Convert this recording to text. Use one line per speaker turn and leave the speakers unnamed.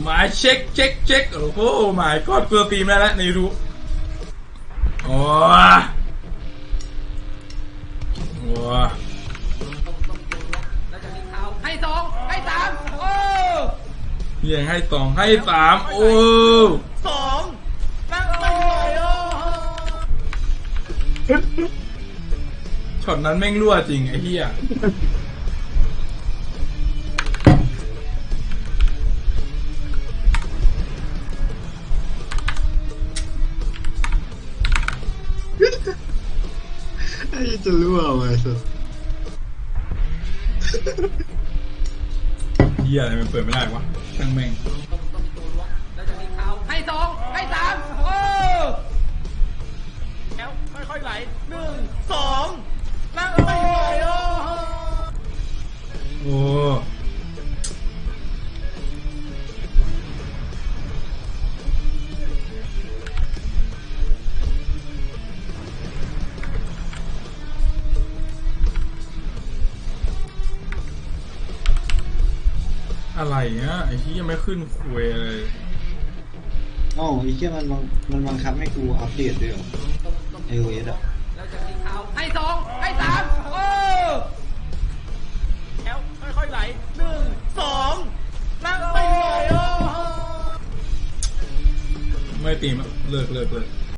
มาเช็คโอ้โหหมายกอดเกลือตีมาแล้วในรู้โอ้โห
ให้สองให้สามโอ้
ยังให้สองให้สามโอ้
สองนั่งโอ้ย
ช็อตนั้นแม่งรั่วจริงไอ้เหี้ย
ไอ้จะรั่วไว้สุด
เหี้ยอะไรมันเปิดไม่ได้วะช่างแม่ง
ให้สองให้สามโอ้แล้วค่อยๆไหลหนึ่งสองนั่งโอ้ย
โอ้อะไรเงี้ยไอ้ที่ยังไม่ขึ้นคุยเลย
อ๋อไอ้เหี้ยมันบังคับให้กูอัปเดตด้วยเหรอ iOS อ่ะ
ให้สองให้สามโอ้แล้วค่อยๆไหลหนึ่งสองนั่งโอ้ย
ไม่ตีมเลิก